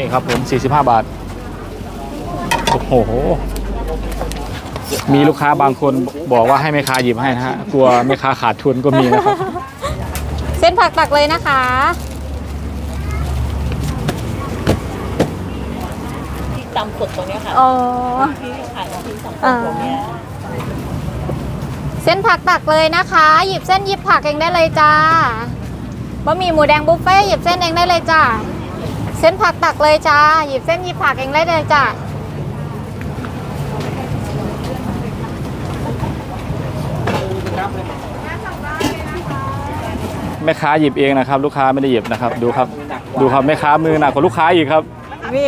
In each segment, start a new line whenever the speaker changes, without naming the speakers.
ครับผม45 บาทโอ้โหมีลูกค้าบางคนบอกว่าให้แม่ค้าหยิบให้นะฮะกลัวแม่ค้าขาดทุนก็มีนะครับ
เส้นผักตักเลยนะคะ
ที่ตำสดตรงนี้ค่ะ
อ๋อ
ที่ขายที่ตำสดตรงนี้
เส้นผักตักเลยนะคะหยิบเส้นหยิบผักเองได้เลยจ้าบะหมี่หมูแดงบุฟเฟ่หยิบเส้นเองได้เลยจ้าเส้นผักตักเลยจ้าหยิบเส้นหยิบผักเองได้เลยจ้า
แม่ค้าหยิบเองนะครับลูกค้าไม่ได้หยิบนะครับดูครับแม่ค้ามือหนักกว่าลูกค้าอีกครับ
พี่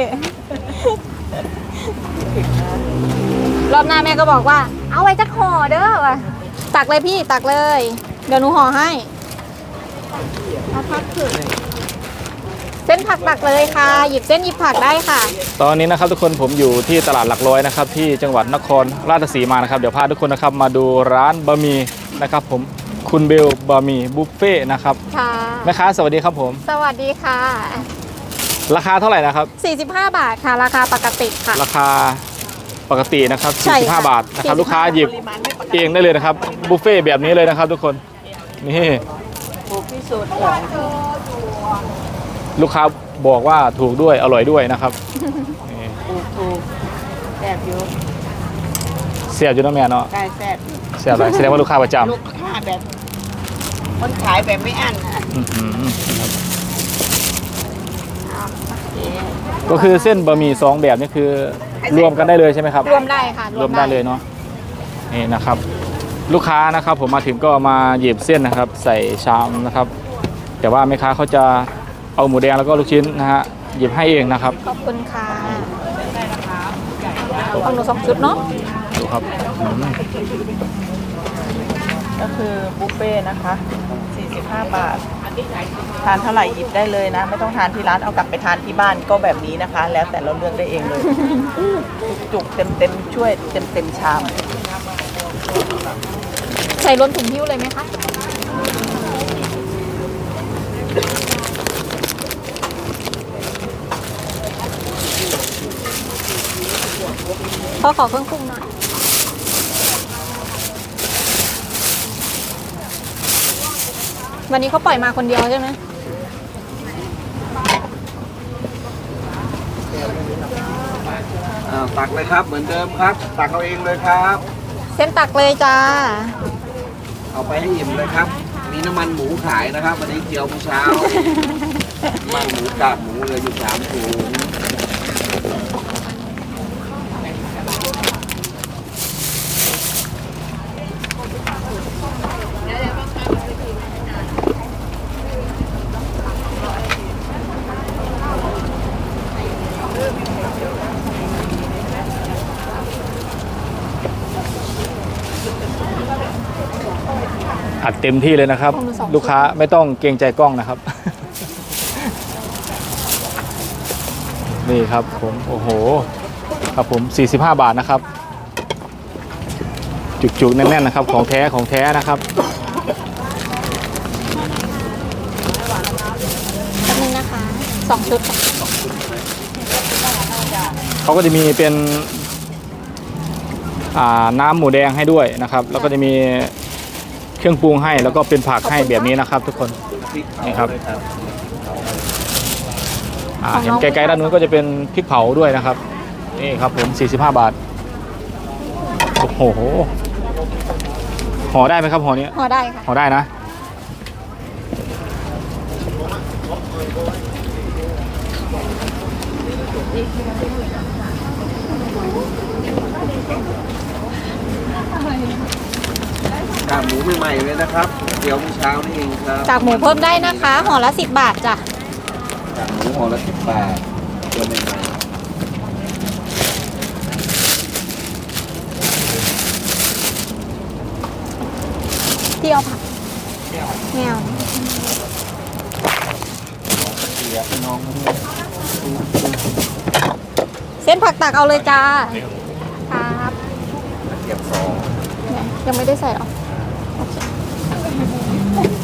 รอบหน้าแม่ก็บอกว่าเอาไว้จักห่อเด้อว่ะตักเลยพี่ตักเลยเดี๋ยวหนูห่อให้เอาผักเผือกเส้นผักตักเลยค่ะหยิบเส้นหยิบผักได้ค่ะ
ตอนนี้นะครับทุกคนผมอยู่ที่ตลาดหลักร้อยนะครับที่จังหวัดนครราชสีมานะครับเดี๋ยวพาทุกคนนะครับมาดูร้านบะหมี่นะครับผมคุณเบลบะหมี่บุฟเฟ่นะครับ
ค่ะ
แม่ค้าสวัสดีครับผม
สวัสดีค่ะ
ราคาเท่าไหร่นะครับ
45 บาทค่ะราคาปกติค่ะ
ราคาปกตินะครับ45 บาทนะครับลูกค้าหยิบเองได้เลยนะครับบุฟเฟ่แบบนี้เลยนะครับทุกคนนี่
ถูกที่สุด
ลูกค้าบอกว่าถูกด้วยอร่อยด้วยนะครับ
ถูกแซ่บอยู่
เสียบอยู่นะแม่เนาะ
ใช่แซ่บ
เสียบอะไรแสดงว่าลูกค้าประจำ
ลูกค้าแบบคนขายแบบไม่อั้น
ก็คือเส้นบะหมี่2แบบนี่คือรวมกันได้เลยใช่ไหมครับ
รวมได้ค่ะ
รวมได้เลยเนาะนี่นะครับลูกค้านะครับผมมาถึงก็มาหยิบเส้นนะครับใส่ชามนะครับแต่ว่าแม่ค้าเขาจะเอาหมูแดงแล้วก็ลูกชิ้นนะฮะหยิบให้เองนะครับ
ขอบคุณค่ะของหนู2 ชุดเนาะ
ดูครับ
ก็คือบุฟเฟ่นะคะ45 บาททานเท่าไหร่หยิบได้เลยนะไม่ต้องทานที่ร้านเอากลับไปทานที่บ้านก็แบบนี้นะคะแล้วแต่เราเลือกได้เองเลยจุกเต็มช่วยเต็มชาม
ใส่รวมถุงหิ้วเลยไหมคะขอเครื่องปรุงหน่อยวันนี้เขาปล่อยมาคนเดียวใช่ไหม
ตักเลยครับเหมือนเดิมครับตักเอาเองเลยครับ
เส้นตักเลยจ้า
เอาไปให้อิ่มเลยครับมีน้ำมันหมูขายนะครับวันนี้เจียวเช้าน้ำมันหมูกากหมูเหลืออยู่3 ถุง
อัดเต็มที่เลยนะครับลูกค้าไม่ต้องเกรงใจกล้องนะครับนี่ครับผมโอ้โหครับผม45 บาทนะครับจุกๆแน่นๆนะครับของแท้นะครับ
แป๊บนึงนะคะ2 ชุด
เขาก็จะมีเป็นน้ำหมูแดงให้ด้วยนะครับแล้วก็จะมีเครื่องปรุงให้แล้วก็เป็นผักให้แบบนี้นะครับทุกคนนี่ครับเห็นไกลๆด้านนู้นก็จะเป็นพริกเผาด้วยนะครับนี่ครับผม45 บาทโอ้โหห่อได้ไหมครับห่อนี้
ห่อได้ค่ะ
ห่อได้นะ
กากหมูใหม่ๆเลยนะครับเดี๋ยวเช้านี่เองครับ
กากหมูเพิ่มได้นะคะห่อละ10 บาทจ้ะ
กากหมูห่อละ10 บาทตัวใหม่
ที่เอาผักแมวเส้นผักตักเอาเลยจ้าครับ
เก็บ2
ยังไม่ได้ใส่หรอ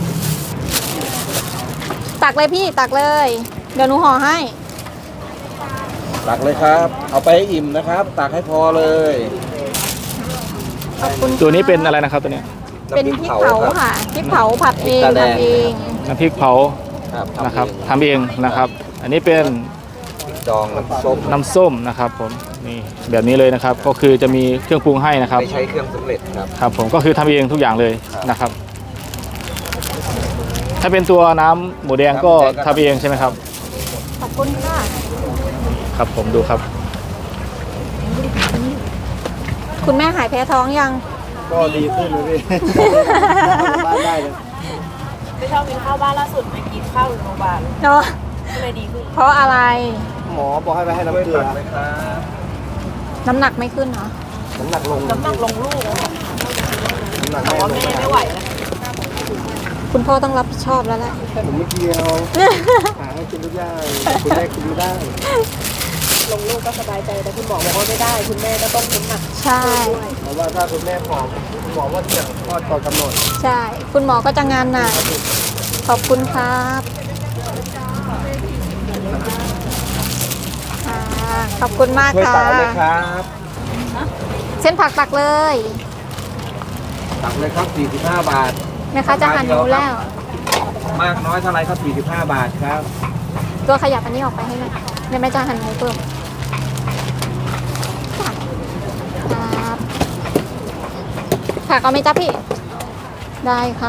ตักเลยพี่ตักเลยเดี๋ยวหนูห่อให้
ตักเลยครับ เอาไปให้อิ่มนะครับ ตักให้พอเลย
ขอบคุณ
ตัวนี้เป็นอะไรนะครับตัวเนี้ย
เป็นพริกเผา
ครับ
ค่ะพริกเผาผัดเอง
พริกตาแดง
ทำเอง
น้ำพริกเผา
ครับ
นะครับทำเองนะครับ อันนี้เป็น
พริกดองน้ำส้ม
น้ำส้มนะครับผมนี่แบบนี้เลยนะครับ ก็คือจะมีเครื่องปรุงให้นะครับ
ไม่ใช้เครื่องสำเร็จครับ
ครับผมก็คือทำเองทุกอย่างเลยนะครับ ถ้าเป็นตัวน้ำหมูแดงก็ทำเองใช่ไหมครับ
ขอบคุณค่ะ
ครับผมดูครับ
คุณแม่หายแพ้ท้องยัง
ก็ดีขึ้นเลยพี่ บ้านได้เลย
ไม่ชอบกินข้าวบ้านล่าสุดไปกินข้าวโรงพยาบาล
เนาะ
ก็เลยดีขึ้น
เพราะอะไร
หมอบอกให้ไปให้น้ำเกลือ
น้ำหนักไม่ขึ้นเหรอ
น้ำหนักลง
น้ำหนักลงลูกอะ
น้ำหนัก
แต่
แม่
ว่า
ลง
แม่ไม่ไหวแล้ว
คุณพ่อต้องรับผิดชอบแล้วแหละ
ผมไม่เกี่ยวหาให้กินทุกอย่างคุณแม่กินไม่ได้
ลงลูกก็สบายใจแต่คุณหมอบอกว่าไม่ได้ คุณแม่ก็ต้องน้ำหนัก
ใช่
เพราะว่าถ้าคุณแม่ผอมหมอว่าเสี่ยงคลอดก่อนกำหนด
ใช่ คุณหมอก็จะงานหนักขอบคุณครับอ่าขอบคุณมาก
ช่วย
ค่ะ
ตักเอาเลยครับ
เส้นผักตักเลย
ตักเลยครับ 45 บาท
แม่ค้าจะหั่นหนูแล้ว
มากน้อยเท่าไรครับ 45 บาทครับ
ตัวขยับอันนี้ออกไปให้หน่อยเดี๋ยวแม่จะหั่นหมูเพิ่มครับผักเอาไหมจ๊ะพี่ ได้ค่ะ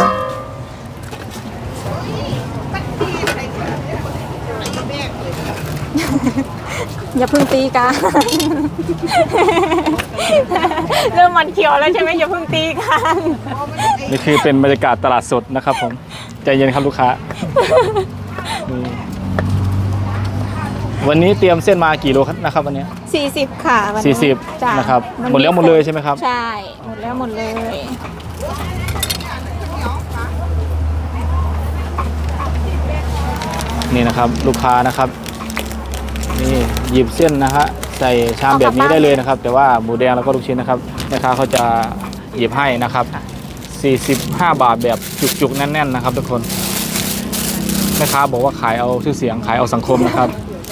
อย่าเพึ่งตีกัน เริ่มมันเขียวแล้วใช่ไหมอย่าเพึ่งตีกัน
นี่คือเป็นบรรยากาศตลาดสดนะครับผมใจเย็นครับลูกค้านี่วันนี้เตรียมเส้นมากี่โลครับนะครับวันนี้
40 ค่ะวันนี้จ้ะ
40นะครับ
น
หมดแล้วหมดเลยใช่ไหมครับ
ใช่ หมดแล้วหมดเลย
นี่นะครับลูกค้านะครับนี่หยิบเส้นนะฮะใส่ชามแบบนี้ได้เลยนะครับ แต่ว่าหมูแดงแล้วก็ลูกชิ้นนะครับแม่ค้าเขาจะหยิบให้นะครับ45 บาทแบบจุกๆแน่นๆนะครับทุกคนแม่ค้าบอกว่าขายเอาชื่อเสียงขายเอาสังคมนะครับ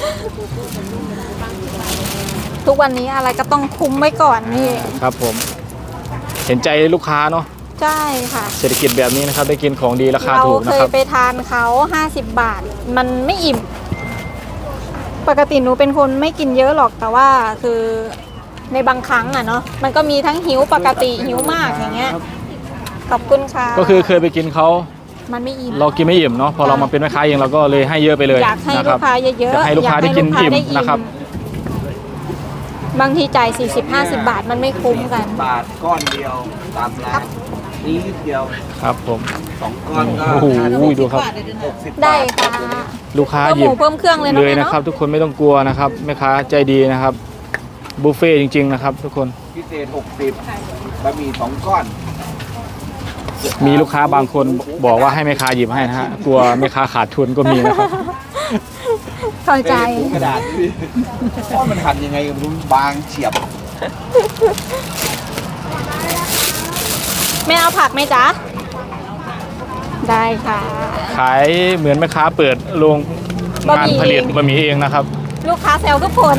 ทุกวันนี้อะไรก็ต้องคุ้มไว้ก่อนนี่
ครับผมเห็นใจลูกค้าเนาะ
ใช่ค่ะ
เศรษฐกิจแบบนี้นะครับได้กินของดีราคา
เรา
ถูก
เค
นะ
ย
ครับ
ไปทานเขา50 บาท มันไม่อิ่ม ปกติหนูเป็นคนไม่กินเยอะหรอกแต่ว่าคือในบางครั้งอ่ะเนาะมันก็มีทั้งหิวปกติหิวมากอย่างเงี้ยขอบคุณค่ะ
ก็คือเคยไปกินเขา
มันไม่อิ่ม
เรากินไม่อิ่มเนาะพอเรามาเป็นแม่ค้าเองเราก็เลยให้เยอะไปเลย
อยากให้
นะค
ลู
รับ
กค้าเยอะๆ
อยากให้ลูกค้าได้กินอิ่มนะครับ
บางทีจ่าย40-50 บาทมันไม่คุ้มกัน
บาทก้อนเดียวตามร้านนี้นิดเดียว
ครับผม
2 ก้อนก็
โอ้โหดูครับ
60
ได้
บาท
ค่ะ
ลูกค้า
เพิ่ม
ห
ห
ยิบ
มูเพิ่มเครื่องเลย
เลย
นะแม่
นะครับ
เนาะ
ทุกคนไม่ต้องกลัวนะครับแม่ค้าใจดีนะครับบุฟเฟ่ต์จริง ๆนะครับ ทุกคน
พิเศษ 60บะหมี่2 ก้อน
มีลูกค้าบางคนบอกว่าให้แม่ค้าหยิบให้นะฮะกลัวแม่ค้าขาดทุนก็มีนะครับ
เข้าใจ
ถุงกระดาษนี่ว่ามันหั่นยังไงก็ไม่รู้บางเฉียบ
แม่เอาผักไหมจ๊ะ ได้ค่ะ
ขายเหมือนแม่ค้าเปิดโรง
บะ
งา
ห
น
มี่
ผลิตบะหมี่เองนะครับ
ลูกค้าแซวทุกคน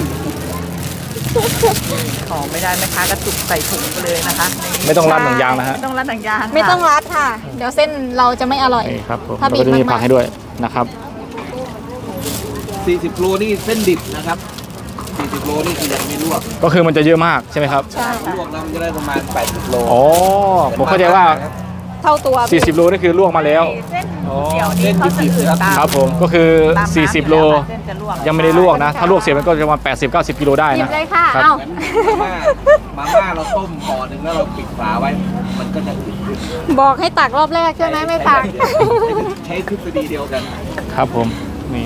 ของไม่ได้แม่ค้าก็จุกใส่ถุงไปเลยนะคะ
ไม่ต้องรัดหนังยางนะฮะ
ไม่ต้องรัดหนังยาง
ไม่ต้องรัดค่ะ เดี๋ยวเส้นเราจะไม่อร่อย
นี่ครับผม
ถ้า
เรา
บีบ
ก็จะมี
มากๆ
ผักให้ด้วยนะครับ
40 โลนี่เส้นดิบนะครับ 40 โลนี่คือยังไม่ลวก
ก็คือมันจะเยอะมากใช่ไหมครับ
ใช่ค่ะ
ลวกแล้วมันจะได้ประมาณ 80 โล
อ๋อผมเข้าใจว่า
เท่าตัว
40 โลนี่คือลวกมาแล้ว
เส้น
อ๋อ
เดี๋ยวนี้เขาจะอืดตาม
ครับผมก็คือ
ตามน้ำ
40 โล
เส้นจะลวก
ยังไม่ได้ลวกนะ ถ้าลวกเสร็จมันก็จะประมาณ80-90 กิโลได้
หยิบ
นะ
เลยค่ะ
ครับ
เอ้า
มาม่าเราต้มห่อหนึ่งแล้วเราปิดฝาไว้ มันก็จะอืดขึ้น
บอกให้ตักรอบแรกใช่ไหมไม่ตัก
ใช้ทฤษฎีเดียวกัน
ครับผมนี่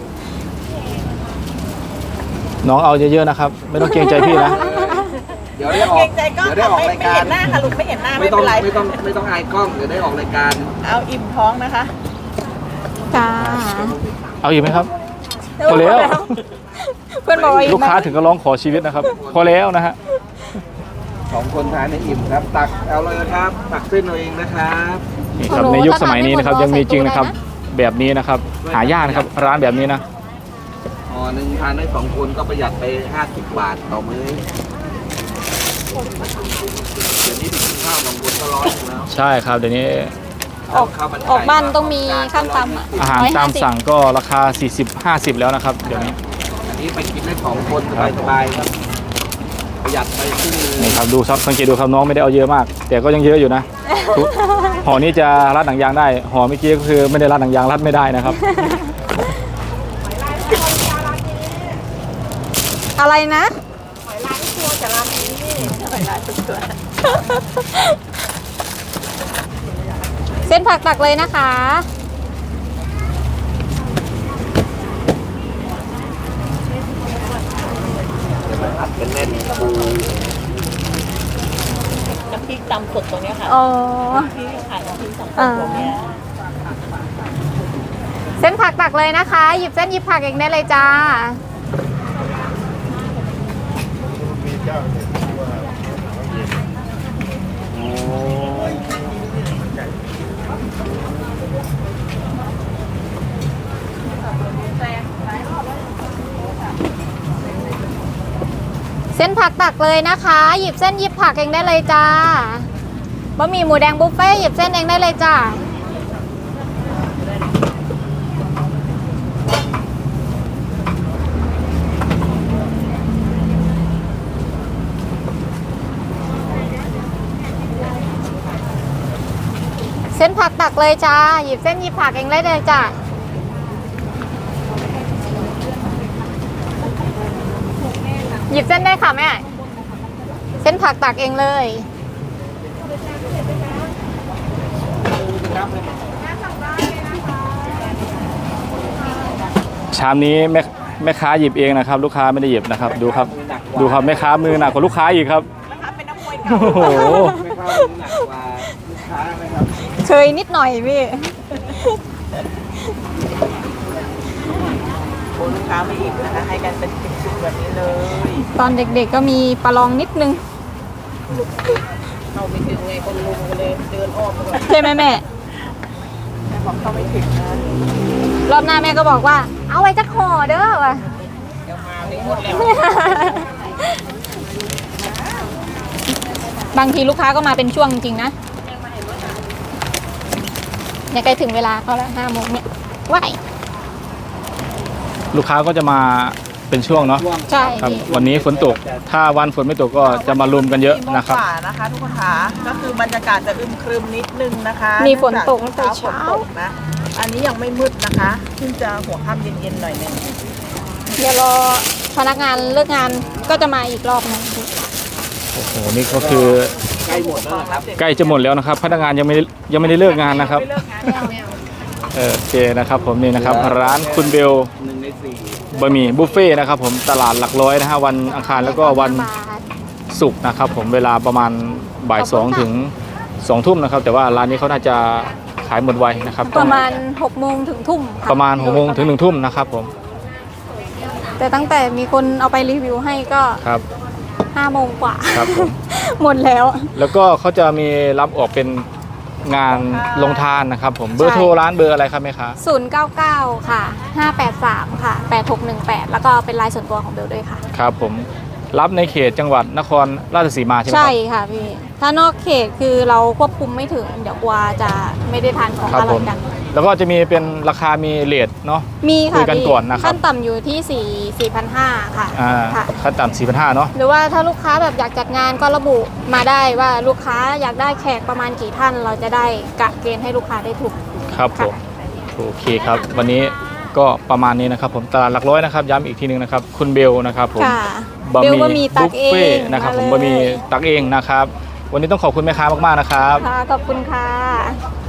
น้องเอาเยอะๆนะครับ ไม่ต้องเกรงใจพี่นะ
เดี๋ยวได้ออ
เกร
ก
งใจก็
เดี๋ยวได้ออก
ไม่
รายการ
เห็นหน้าค่ะลูกไม่เห็นหน้า
ไม่
ไม่
ต้อ
เป็
ง
นไร
ไม่ต้องอายกล้องเดี๋ยวได้ออกรายการ
เอาอิ่มท้องนะคะ
จ้า
เอาอีกไหมครับ พอแล้ว
เพื่อนบอกว่าอีก
ลูกค้าถึงก็ร้องขอชีวิตนะครับ พอแล้วนะฮะ
2 คนทานในอิ่มครับ ตักเอาเลยครับ ตักเส้นเอาเองนะครับ
นี่ครับในยุคสมัยนี้นะครับยังมีจริงนะครับ แบบนี้นะครับ หายากนะครับร้านแบบนี้นะ
ห่อหนึ่งทานได้2 คนก็ประหยัดไป50 บาทต่อมื้อเดี๋ยวนี้ไปกินข้าว2 คนก็100อยู่แล้ว
ใช่ครับเดี๋ยวนี้
ออกบ้านต้องมีขั้นต่ำอ่ะ
อาหารตาม
150
สั่งก็ราคา 40-50 แล้วนะครับเดี๋ยวนี้
อันนี้ไปกินได้2 คนสบายๆครับประหยัดไปครึ่งนึง
นี่ครับดูครับสังเกตดูครับน้องไม่ได้เอาเยอะมาก แต่ก็ยังเยอะอยู่นะทุกห่อนี้จะรัดหนังยางได้ห่อเมื่อกี้ก็คือไม่ได้รัดหนังยางรัดไม่ได้นะครับ
อะไรนะ เส้นผักตักเลยนะคะ
อัดเป็นแน่นปู
น้ำพริกตำสดตรงเนี้ยค่ะ
อ๋อ
ที่ขายน้ำพริกตำสด
อ่า
ตรงเนี้ย
เส้นผักตักเลยนะคะ หยิบเส้นหยิบผักเองได้เลยจ้า เส้นผักตักเลยนะคะ หยิบเส้นหยิบผักเองได้เลยจ้าบะหมี่หมูแดงบุฟเฟ่ต์หยิบเส้นเองได้เลยจ้า เส้นผักตักเลยจ้า หยิบเส้นหยิบผักเองได้เลยจ้า หยิบเส้นได้ค่ะแม่ เส้นผักตักเองเลย
ชามนี้แม่ค้าหยิบเองนะครับ ลูกค้าไม่ได้หยิบนะครับดูครับดูครับแม่ค้ามือหนักกว่าลูกค้าอีกครับ
นะคะเป็นน้ำมวย
โอ้
เก่า
โห
ไม่เข้าหนักกว่าลูกค้าไหมครับ
เคยนิดหน่อยพี่
โอ้ลูกค้าไม่อิ่มนะคะให้กันเป็นชุดๆแบบนี้เลย
ตอนเด็กๆก็มีประลองนิดนึง
เข้าไม่ถึงไงคนลุงก็เลยเดินอ้อมไปก่อน
ใช่ไหมแม่
แม่บอกเข้าไม่ถึงนะ
รอบหน้าแม่ก็บอกว่า เอาไว้จักห่อเด้อว่ะ
เดี๋ยวมาไม่หมดแล้ว
บางทีลูกค้าก็มาเป็นช่วงจริงๆนะเนี่ยใกล้ถึงเวลาเขาแล้ว5 โมงเนี่ยว้าย
ลูกค้าก็จะมาเป็นช่วงเนาะ
ใช่
ครับ
พี่
วันนี้ฝนตกถ้าวันฝนไม่ตกก็จะมารวมกันเยอะนะครับ
4 โมงกว่านะคะทุกคนค่ะก็คือบรรยากาศจะอึมครึมนิดนึงนะคะ
มีฝนตกตั้งแต่
ฝ
เช้า
นตกนะอันนี้ยังไม่มืดนะคะเพิ่งจะหัวค่ำเย็นๆหน่อยหนึง
เดี๋ยวรอพนักงานเลิกงานก็จะมาอีกรอบหนึง
โอ้โหนี่ก็คือ
ใกล้หมดแล้วนะครับ
ใกล้จะหมดแล้วนะครับ พนักงานยังไม่ได้เลิกงานนะครับ
ไม่เลิกงานแล้วเนี่ย
โอเคนะครับผมนี่นะครับร้านคุณเบล
1 ใน 4
บะหมี่บุฟเฟ่ต์นะครับผมตลาดหลักร้อยนะฮะวันอังคารแล้วก็วัน
บาท
ศุกร์นะครับผมเวลาประมาณบ่าย
ขอบคุณค่ะ
2 ถึง 2 ทุ่มนะครับแต่ว่าร้านนี้เขาน่าจะขายหมดไวนะครับ
ประมาณ6 โมงถึงทุ่มค่
ประมาณ6 โมงถึง 1 ทุ่มนะครับผม
แต่ตั้งแต่มีคนเอาไปรีวิวให้ก็
ครับ
5 โมงกว่า
ครับผม
หมดแล้ว
แล้วก็เขาจะมีรับออกเป็นงานลงทานนะครับผมเบอร์โทรร้านเบอร์อะไรครับแม่ค้า
099 ค่ะ 583 ค่ะ 8618 แล้วก็เป็นไลน์ส่วนตัวของเบลด้วยค่ะ
ครับผมรับในเขตจังหวัดนครราชสีมาใช่ไหมค
ใช่
รับ
ค่ะพี่ ถ้านอกเขตคือเราควบคุมไม่ถึง เดี๋ยวกลัวจะไม่ได้ทานของ
ครับ
อร่
ผ
อย
ม
กัน
แล้วก็จะมีเป็นราคามีเรทเนาะ
มี
คุ
ค่ะ
ยกัน
พี่
ก่อนนะครับ
ขั้นต่ำอยู่ที่ 4,500 ค่ะ ค่ะ
ขั้นต่ำ4,500เนาะ
หรือว่าถ้าลูกค้าแบบอยากจัดงานก็ระบุมาได้ว่าลูกค้าอยากได้แขกประมาณกี่ท่าน เราจะได้กะเกณฑ์ให้ลูกค้าได้ถูก
ครับผมโอเคครับ วันนี้ก็ประมาณนี้นะครับผมตลาดหลักร้อยนะครับย้ำอีกทีหนึงนะครับคุณเบลนะครับผม
ค่ะ
บะ
เบล
ห
บะหมี่
มี่
ตั
บุ
ก
ฟ
เอ
เฟ่
ง
นะครับ
มา
ผม
เลย
บะหมี่ตักเองนะครับ วันนี้ต้องขอบคุณแม่ค้ามากๆนะครับ
ค่ะขอบคุณค่ะ